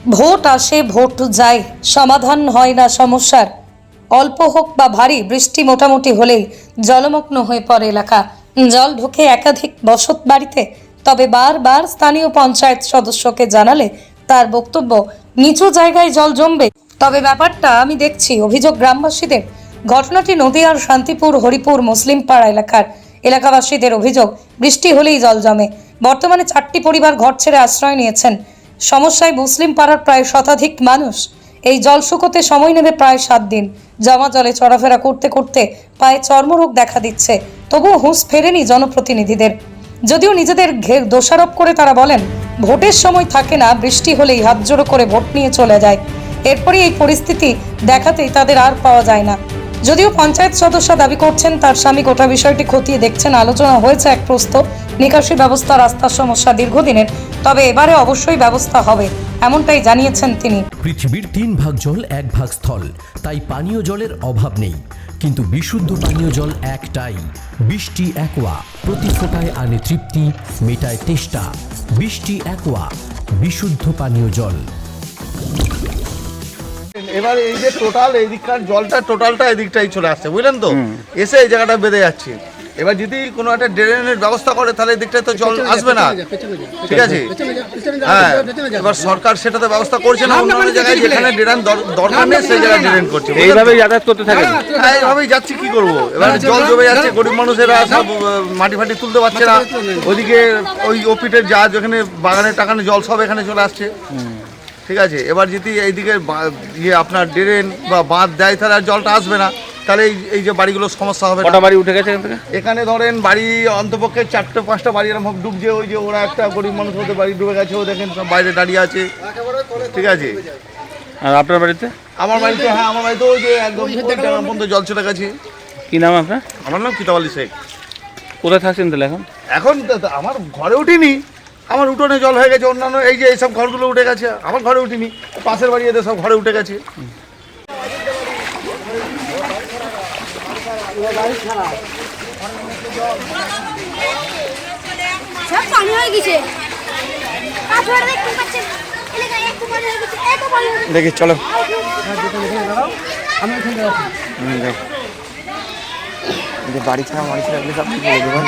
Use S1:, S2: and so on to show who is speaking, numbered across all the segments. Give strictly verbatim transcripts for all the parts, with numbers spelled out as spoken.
S1: Vote আসে vote যায়, সমাধান হয় না সমস্যার। অল্প হোক বা ভারী বৃষ্টি মোটামুটি হলেই জলমগ্ন হয়ে পড়ে এলাকা। জল ঢোকে একাধিক বসত বাড়িতে। তবে বারবার স্থানীয় পঞ্চায়েত সদস্যকে জানালে তার বক্তব্য নিচু জায়গায় জল জমবে। তবে ব্যাপারটা আমি দেখছি অভিযোগ গ্রামবাসীদের। ঘটনাটি নদীয়ার শান্তিপুর হরিপুর মুসলিম পাড়া এলাকার। এলাকাবাসীদের অভিযোগ বৃষ্টি হলেই জল জমে। বর্তমানে চারটি পরিবার ঘর ছেড়ে আশ্রয় নিয়েছেন। সমস্যায় মুসলিম পাড়ার প্রায় শতাধিক মানুষ। এই জল শুকোতে সময় নেবে প্রায় সাত দিন। জমা জলে চলাফেরা করতে করতে পায়ে চর্মরোগ দেখা দিচ্ছে। তবুও হুঁশ ফেরেনি জনপ্রতিনিধিদের। যদিও নিজেদের ঘের দোষারোপ করে তারা বলেন ভোটের সময় থাকে না, বৃষ্টি হলেই হাত জোড়ো করে ভোট নিয়ে চলে যায়। এরপরই এই পরিস্থিতি দেখাতেই তাদের আর পাওয়া যায় না। যদিও পঞ্চায়েত সদস্য দাবি করছেন তার স্বামী গোটা বিষয়টি খতিয়ে দেখছেন। আলোচনা হয়েছে এক প্রস্তাব, নিকাশি ব্যবস্থা, রাস্তার সমস্যা দীর্ঘদিনের, তবে এবারে অবশ্যই ব্যবস্থা হবে, এমনটাই জানিয়েছেন তিনি।
S2: পৃথিবীর তিন ভাগ জল এক ভাগ স্থল, তাই পানীয় জলের অভাব নেই। কিন্তু বিশুদ্ধ পানীয় জল একটাই, বৃষ্টি অ্যাকোয়া। প্রতি ফোঁটায় আনে তৃপ্তি, মেটায় তেষ্টা। বৃষ্টি অ্যাকোয়া, বিশুদ্ধ পানীয় জল।
S3: এবার এই যে টোটাল এই দিককার জলটা টোটালটা এদিকটাই চলে আসছে, বুঝলেন তো, এসে এই জায়গাটা বেঁধে যাচ্ছে। এবার যদি কোনো একটা ড্রেনের ব্যবস্থা করে তাহলে এই দিকটায় তো জল আসবে না, ঠিক আছে? হ্যাঁ, এবার সরকার সেটা তো ব্যবস্থা করছে না। অন্য জায়গায় যেখানে ড্রেন দরকার নেই সেই জায়গায় ড্রেন করছে।
S4: এইভাবেই যাতায়াত করতে থাকে।
S3: হ্যাঁ, এইভাবেই যাচ্ছি, কি করবো? এবার জল জমে যাচ্ছে, গরিব মানুষেরা সব মাটি ফাটি তুলতে পারছে না। ওইদিকে ওই ওপিটের যা যেখানে বাগানে টাকানে জল সব এখানে চলে আসছে, ঠিক আছে? এবার যদি এইদিকে ইয়ে আপনার ড্রেন বা বাঁধ দেয় তাহলে আর জলটা আসবে না, তাহলে এই এই যে বাড়িগুলোর সমস্যা হবে।
S4: কটা বাড়ি উঠে গেছে এখান থেকে?
S3: এখানে ধরেন বাড়ি অন্তপক্ষে চারটে পাঁচটা বাড়ি এরকম ডুবছে। ওই যে ওরা একটা গরিব মানুষ ওদের বাড়ি ডুবে গেছে, ও দেখেন সব বাইরে দাঁড়িয়ে আছে, ঠিক আছে?
S4: আর আপনার বাড়িতে?
S3: আমার বাড়িতে, হ্যাঁ আমার বাড়িতে ওই যে একদম পর্যন্ত জল চলে গেছে।
S4: কি নাম আপনার?
S3: আমার নাম কিতাব আলী শেখ।
S4: কোথায় থাকছেন তাহলে এখন?
S3: এখন আমার ঘরে উঠিনি, আমার উঠোনে জল হয়ে গেছে। অন্যান্য এই যে এইসব ঘরগুলো উঠে গেছে, আমার ঘরে উঠিনি, পাশের বাড়ি এদের সব ঘরে উঠে গেছে।
S4: দেখি চলো বাড়ি ছাড়া বাড়ি ছাড়া সব ঠিক বলে দেবেন।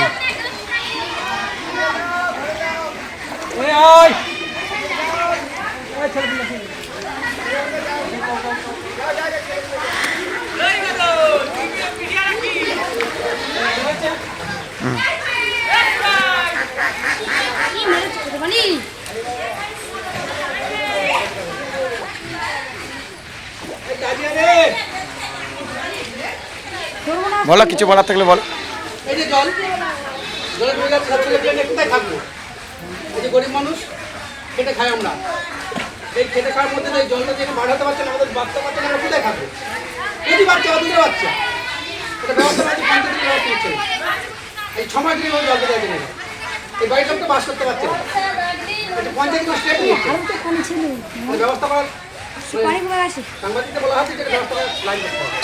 S4: বলো, কিছু বলার থাকলে বল।
S5: এই যে জল জলে ঢুকে যাচ্ছে, সব ছেলে পেলে কোথায় থাকবো? এই যে গরিব মানুষ খেটে খাই আমরা, এই খেটে খাওয়ার মধ্যে এই জলটা যেখানে বার হতে পারছে না, আমাদের বাচ্চা বাচ্চা আমরা কোথায় থাকবো? যদি বাচ্চা বা দুধের বাচ্চা, এটা ব্যবস্থা আছে, পঞ্চায়েত ব্যবস্থা হচ্ছে না। এই ছ মাস ধরে জল দিতে না, এই বাড়িটা তো বাস করতে পারছে না। এটা পঞ্চায়েত স্টেপ নিচ্ছে ব্যবস্থা করার। সাংবাদিকদের বলা হচ্ছে যেটা ব্যবস্থা করার লাইন করতে হবে।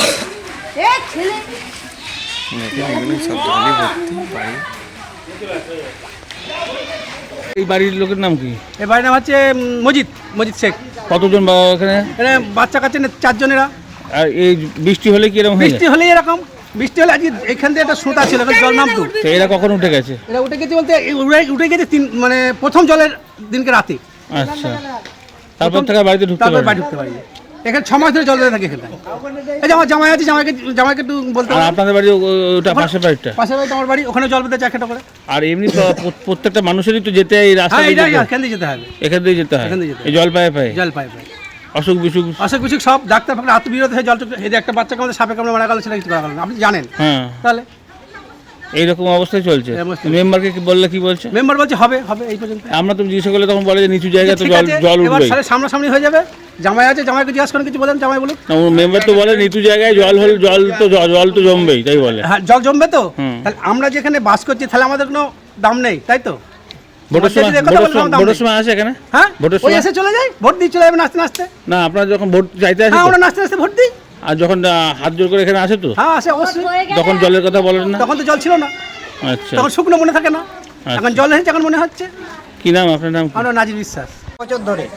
S4: এই বাড়ির লোকের নাম কি?
S5: এই বাড়ির নাম হচ্ছে মজিদ মজিদ শেখ।
S4: কতজন এখানে?
S5: এখানে বাচ্চা কাচ্চা চারজনেরা।
S4: আর এই বৃষ্টি হলে কি এরকম?
S5: বৃষ্টি হলে এরকম বৃষ্টি হলে আজকে এখান থেকে একটা সুতা ছিল, জল নামতো।
S4: তো এরা কখন উঠে গেছে?
S5: এরা উঠে গেছে বলতে উঠে গেছে তিন মানে প্রথম জলের দিনকে রাতে।
S4: আচ্ছা, তারপর থেকে বাড়িতে ঢুকতে
S5: তারপর বাড়ি ঢুকতে পারি। এখানে ছ মাস ধরে জল ধরে থাকে এখানে। এই যে আমার জামাই আছে, জামাইকে জামাইকে একটু বলতে।
S4: আর আপনাদের বাড়ি ওটা পাশের বাড়িটা?
S5: পাশের বাড়িটা আমার বাড়ি, ওখানে জল পেতে চায় খেটা করে।
S4: আর এমনি প্রত্যেকটা মানুষেরই তো যেতে এই রাস্তা দিয়ে
S5: এখান দিয়ে যেতে হবে,
S4: এখান দিয়ে যেতে হয়। এই জল পায়ে পায়ে
S5: জল পায়ে পায়ে
S4: অসুখ বিসুখ
S5: অসুখ বিসুখ সব ডাক্তার ফাক্তার আত্মবিরোধ হয়ে জল। এই যে একটা বাচ্চাকে আমাদের সাপে কামড়ে মারা গেল, সেটা কিছু করা গেল না, আপনি জানেন।
S4: হ্যাঁ, তাহলে এইরকম অবস্থায় চলছে। মেম্বারকে কি বললে কি বলছে?
S5: মেম্বার বলছে হবে হবে এই পর্যন্ত।
S4: আমরা তো জিজ্ঞাসা করলে তখন বলে যে নিচু জায়গা তো জল জল উঠবে,
S5: এবার সামনাসামনি হয়ে যাবে। জামাই আছে, জামাইকে জিজ্ঞাসা করেন কিছু বলেন, জামাই বলুন।
S4: মেম্বার তো বলে নিচু জায়গায় জল হল জল তো জল তো জমবেই, তাই বলে।
S5: হ্যাঁ, জল জমবে তো। তাহলে আমরা যেখানে বাস করছি তাহলে আমাদের কোনো দাম নেই, তাই তো? ভোটের
S4: সময় আসে এখানে?
S5: হ্যাঁ, ভোটের সময় এসে চলে যায়, ভোট দিয়ে চলে যাবে নাচতে নাচতে।
S4: না, আপনারা যখন ভোট চাইতে আসেন?
S5: হ্যাঁ, আমরা নাচতে নাচতে ভোট দিই।
S4: আর যখন হাত জোর করে এখানে আসে তো?
S5: হ্যাঁ, আসে অবশ্যই।
S4: তখন জলের কথা বলেন না?
S5: তখন তো জল ছিল না।
S4: আচ্ছা,
S5: তখন শুকনো মনে থাকে না, এখন জল হয়েছে, এখন মনে হচ্ছে।
S4: কি নাম আপনার? নাম?
S5: আমার নাজির বিশ্বাস।
S6: বছর ধরে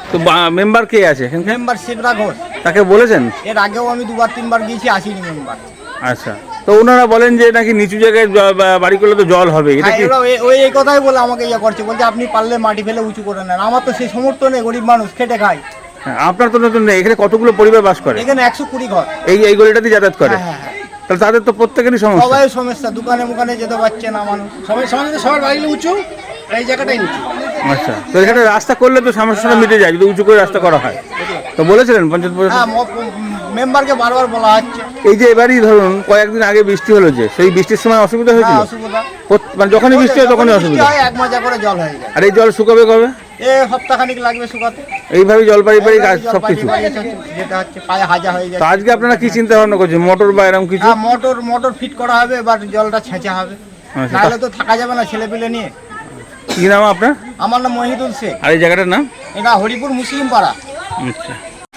S4: তো মেম্বার কে আছে এখানকার?
S6: মেম্বার শিবরা ঘোষ।
S4: তাকে বলেছেন?
S6: এর আগেও আমি দুবার তিনবার গিয়েছি, আসিনি মেম্বার।
S4: আচ্ছা, তো ওনারা বলেন যে নাকি নিচু জায়গায় জ- বা- বাড়ি করলে তো জল হবে, এটা
S6: হ্যাঁ,
S4: কি?
S6: এরা ওই- ওই এই কথাই বলে আমাকে ইয়ে করছে, বলছে আপনি পারলে মাটি ফেলে উঁচু করে নেন। আমার তো সেই সমর্থ নেই, গরিব মানুষ খেটে খাই।
S4: হ্যাঁ, আপনার তো নতুন নেই, এখানে কতগুলো পরিবার বাস করে?
S6: এখানে একশো কুড়ি ঘর।
S4: এই এই গলিটাতে যাতায়াত করে?
S6: হ্যাঁ, হ্যাঁ, হ্যাঁ।
S4: তাহলে তাদের তো প্রত্যেকেরই সমস্যা।
S6: সবাই সমস্যা, দোকানে মুখানে যেতে পারছে না মানুষ।
S5: সবাই সমাজে সবার বাড়িগুলো উঁচু, এই জায়গাটাই উঁচু।
S4: আচ্ছা, তো এখানে রাস্তা করলে তো সমস্যাটা মিটে যায় যদি উঁচু করে রাস্তা করা হয়। তো বলেছিলেন পঞ্চায়েত পরিষদ?
S6: হ্যাঁ, ম- মেম্বারকে বারবার বলা হচ্ছে।
S4: এই যে এবারই ধরুন কয়েকদিন আগে বৃষ্টি হলো, যে সেই বৃষ্টির সময় অসুবিধা
S6: হ্যাঁ,
S4: হয়েছিল?
S6: অসুবিধা।
S4: প্রত- মানে যখনই বৃষ্টি হয় তখনই
S6: যখন
S4: অসুবিধা।
S6: বৃষ্টি হয়, এক মাজা করে জল হয়ে যায়।
S4: আর এই জল শুকাবে কবে?
S6: এ সপ্তাহখানিক লাগবে শুকাতে।
S4: এইভাবেই জল পাড়ি পাড়ি কাজ
S6: জল
S4: সবকিছু।
S6: পাঠিয়ে পাঠিয়ে চলছে, যেতে হচ্ছে, পায়ে হাজা হয়ে
S4: তো
S6: যায়।
S4: আজকে আপনারা কি চিন্তা ভাবনা করছেন, মোটর বা এরকম কিছু?
S6: হ্যাঁ, মোটর মোটর ফিট করা হবে, এবার জলটা ছেঁচা হবে,
S4: আচ্ছা,
S6: নাহলে তো থাকা যাবে না ছেলে পেলে নিয়ে।
S4: কি নাম আপনার?
S6: আমার নাম মহিদুল শেখ।
S4: আর এই জায়গাটার নাম?
S6: এটা হরিপুর মুসলিম পাড়া।
S4: আচ্ছা।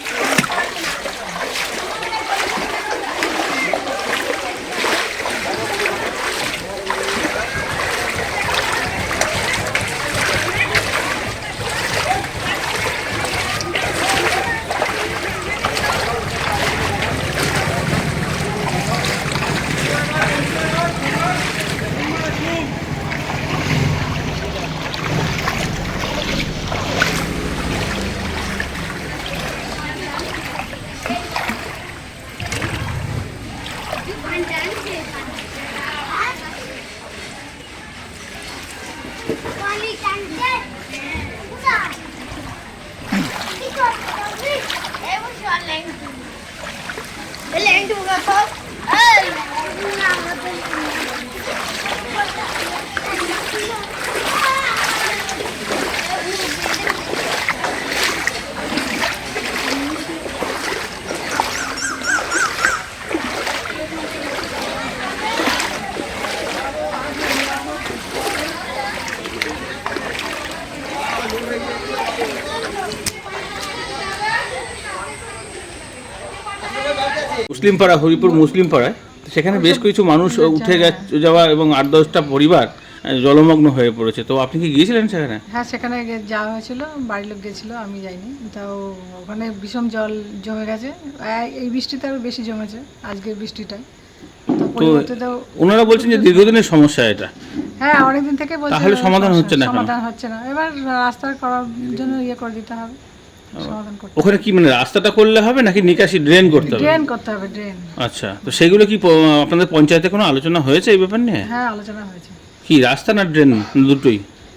S4: মুসলিম পাড়া, হরিপুর মুসলিম পাড়ায়, তো সেখানে বেশ কিছু মানুষ উঠে গে- যাওয়া এবং আট দশটা পরিবার আহ, জলমগ্ন হয়ে পড়েছে। তো আপনি কি গিয়েছিলেন সেখানে?
S7: হ্যাঁ, সেখানে গে- যাওয়া হয়েছিল, বাড়ির লোক গেছিলো, আমি যাইনি। তাও ওখানে ভীষণ জল জমে গেছে, এই- এই বৃষ্টিতে আরও বেশি জমেছে আজকের বৃষ্টিটায়। তো
S4: তো
S7: পরিবর্তে তো
S4: ওনারা বলছেন যে দীর্ঘদিনের সমস্যা এটা।
S7: হ্যাঁ, অনেকদিন থেকে বলছে
S4: তাহলে সমাধান হচ্ছে না কেন?
S7: সমাধান হচ্ছে না, এবার রাস্তা করার জন্য ইয়ে করে দিতে হবে, সমাধান করতে
S4: ওখানে কি মানে রাস্তাটা করলে হবে নাকি নিকাশি ড্রেন করতে হবে?
S7: ড্রেন করতে হবে, ড্রেন।
S4: আচ্ছা, তো সেইগুলো কি প- আপনাদের পঞ্চায়েতে কোনো আলোচনা হয়েছে এই ব্যাপার নিয়ে?
S7: হ্যাঁ, আলোচনা হয়েছে।
S4: কি রাস্তা না ড্রেন, দুটোই?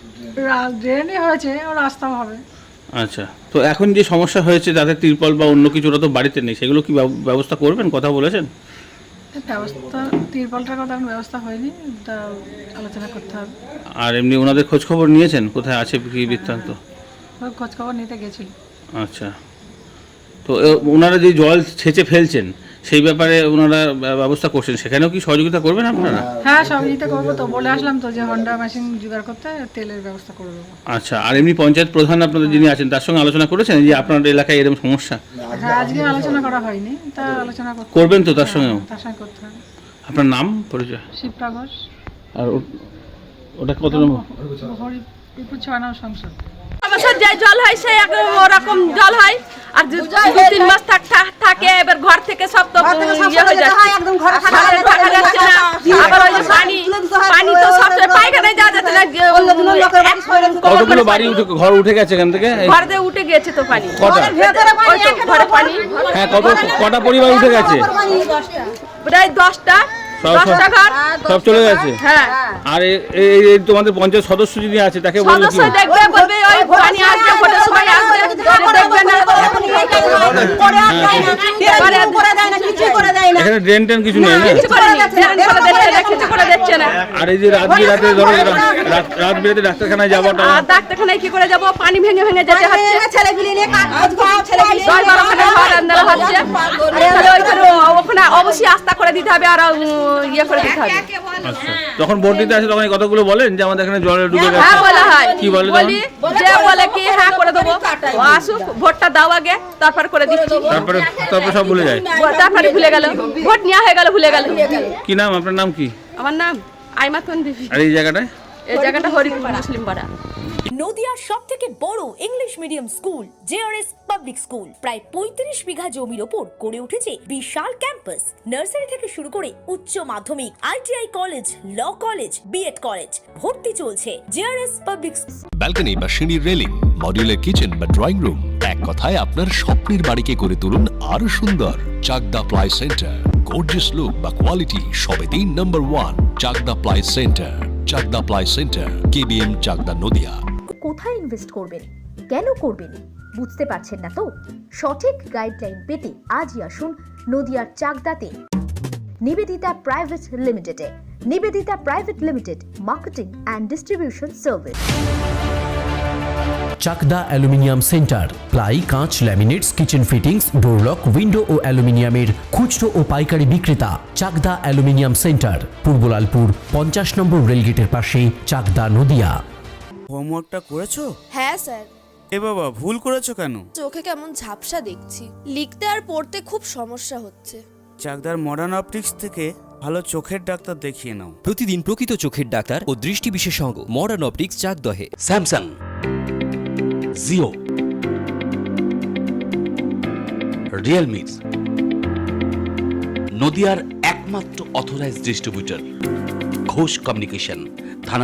S7: রা- ড্রেনই হয়েছে, ও রাস্তাও হবে।
S4: আচ্ছা, তো এখন যে সমস্যা হয়েছে যাদের তিরপল বা অন্য কিছু, ওরা তো বাড়িতে নেই, সেগুলো কি ব্যব- ব্যবস্থা করবেন, কথা বলেছেন?
S7: ব্যবস্থা তিরপলটার কথা এখন ব্যবস্থা হয়নি, তা আলোচনা করতে হবে।
S4: আর এমনি ওনাদের খোঁজ খবর নিয়েছেন কোথায় আছে কি বৃত্তান্ত?
S7: ও খোঁজ খবর নিতে গেছিল।
S4: আচ্ছা, তো এ- ওনারা যে জল ছেঁচে ফেলছেন সেই ব্যাপারে ওনারা ব্য- ব্যবস্থা করছেন, সেখানেও কি সহযোগিতা করবেন আপনারা?
S7: হ্যাঁ, সহযোগিতা করবো তো, বলে আসলাম তো যে হন্ডা মেশিন জোগাড় করতে, তেলের ব্যবস্থা করে দেবো।
S4: আচ্ছা, আর এমনি পঞ্চায়েত প্রধান আপনাদের যিনি আছেন তার সঙ্গে আলোচনা করেছেন যে আপনার এলাকায় এরকম সমস্যা?
S7: হ্যাঁ, আজকে আলোচনা করা হয়নি, তা আলোচনা করতে
S4: করবেন তো তার সঙ্গেও?
S7: তার সঙ্গে করতে হবে।
S4: আপনার নাম পরিচয়?
S7: শিবরা ঘোষ,
S4: আর ও- ওটা কত নম্বর?
S7: হরিপুর ছয় নম্বর সংসদ।
S8: বছর যে জল হয় সেই এক ওরকম জল হয়, আর দু দু তিন মাস থাক থাক- থাকে এবার ঘর থেকে সব তো ইয়ে হয়ে যাচ্ছে, ঘরে ঢোকা যাচ্ছে না। আবার ওই যে পানি পানি তো সব পায়খানায় যাওয়া যাচ্ছে না,
S4: কতগুলো বাড়ি উঠে ঘর উঠে গেছে এখান থেকে? এই-
S8: ঘর দিয়ে উঠে গেছে তো পানি,
S4: কটা?
S8: ওই তো ঘরে পানি
S4: হ্যাঁ, কত কটা পরিবার উঠে গেছে?
S8: প্রায় দশটা
S4: সব-
S8: দশটা ঘর।
S4: সব চলে গেছে?
S8: হ্যাঁ,
S4: আর এ- এই এই তোমাদের পঞ্চায়েত সদস্য যিনি আছে তাকে বললে কি
S8: সদস্য
S4: হবে?
S8: দেখবে, বলবে ওই পানি আসবে, ভোটের সময় আসবে, দেখবে না।
S4: এখানে ড্রেন টেন কিছু নেই না?
S8: কিছু করে দিচ্ছে না, কিছু করে দিচ্ছে না।
S4: আর এই যে রাত বিরাতে ধরো রা- রাত রাত বিরাতে ডাক্তারখানায় যাওয়াটা,
S8: আর ডাক্তারখানায় কি করে যাবো, পানি ভেঙে ভেঙে যেতে হচ্ছে, দশ বারোখানা ঘর আন্দারা হচ্ছে। তাহলে ওইখানে ওখানে অবশ্যই আস্থা করে দিতে হবে, আর উম, ইয়ে করে দিতে হবে।
S4: আচ্ছা, যখন ভোট দিতে আসে তখন এই কথাগুলো বলেন যে আমাদের এখানে জলে ডুবে গেছে?
S8: হ্যাঁ, বলা হয়।
S4: কি বলে তখন?
S8: বলি যে বলে কি হ্যাঁ করে দেবো, ও আসুক, ভোটটা দাও আগে, তারপর করে দিচ্ছি।
S4: তারপরে তারপরে সব ভুলে যায়?
S8: তারপরে ভুলে গেল, ভোট নেওয়া হয়ে গেল, ভুলে গেল।
S4: কি নাম আপনার? নাম কি?
S8: আমার নাম আইমাতন বিবি।
S4: আর এই জায়গাটায়?
S8: এই জায়গাটা হরিপুর মুসলিম পাড়া।
S9: নদিয়ার সব থেকে বড় English medium school JRS public school প্রায় পঁয়ত্রিশ বিঘা জমির ওপর গড়ে উঠেছে বিশাল ক্যাম্পাস। নার্সারি থেকে শুরু করে উচ্চ মাধ্যমিক, ITI college, law college, BEd college, ভর্তি চলছে জেআরএস পাবলিক।
S10: ব্যালকনি বা সিঁড়ির রেলিং, মডিউলার কিচেন বা ড্রয়িং রুম, এক কথায় আপনার স্বপ্নের বাড়িকে করে তুলুন আরো সুন্দর। Chakdah ply centre, gorgeous look বা কোয়ালিটি সবেতেই number one. Chakdah ply centre, Chakdah ply centre, KBM, Chakdah, Nadia.
S11: কোথায় ইনভেস্ট করবেন, কেন করবেন বুঝতে পারছেন না তো? সঠিক গাইডলাইন পেতে আজই আসুন নদিয়ার চাকদাতে নিবেদিতা প্রাইভেট লিমিটেডে। Nivedita private limited, marketing and distribution service.
S2: Chakdah aluminium centre, ply, কাঁচ, laminates, kitchen fittings, door lock, window ও অ্যালুমিনিয়ামের খুচরো ও পাইকারি বিক্রেতা। চাকদা অ্যালুমিনিয়াম সেন্টার, পূর্বলালপুর পঞ্চাশ নম্বর রেলগেটের পাশে, চাকদা, নদিয়া।
S12: হোমওয়ার্কটা করেছো?
S13: হ্যাঁ স্যার।
S12: এ বাবা, ভুল করেছো কেন?
S13: চোখে কেমন ঝাপসা দেখছি, লিখতে আর পড়তে খুব সমস্যা হচ্ছে।
S12: চাকদার মডার্ন অপটিক্স থেকে ভালো চোখের ডাক্তার দেখিয়ে নাও।
S14: প্রতিদিন প্রকৃত চোখের ডাক্তার ও দৃষ্টি বিশেষজ্ঞ মডার্ন অপটিক্স, চাকদহে।
S15: স্যামসাং, জিও, রিয়েলমি, নদিয়ার একমাত্র অথরাইজড ডিস্ট্রিবিউটর ঘোষ কমিউনিকেশন।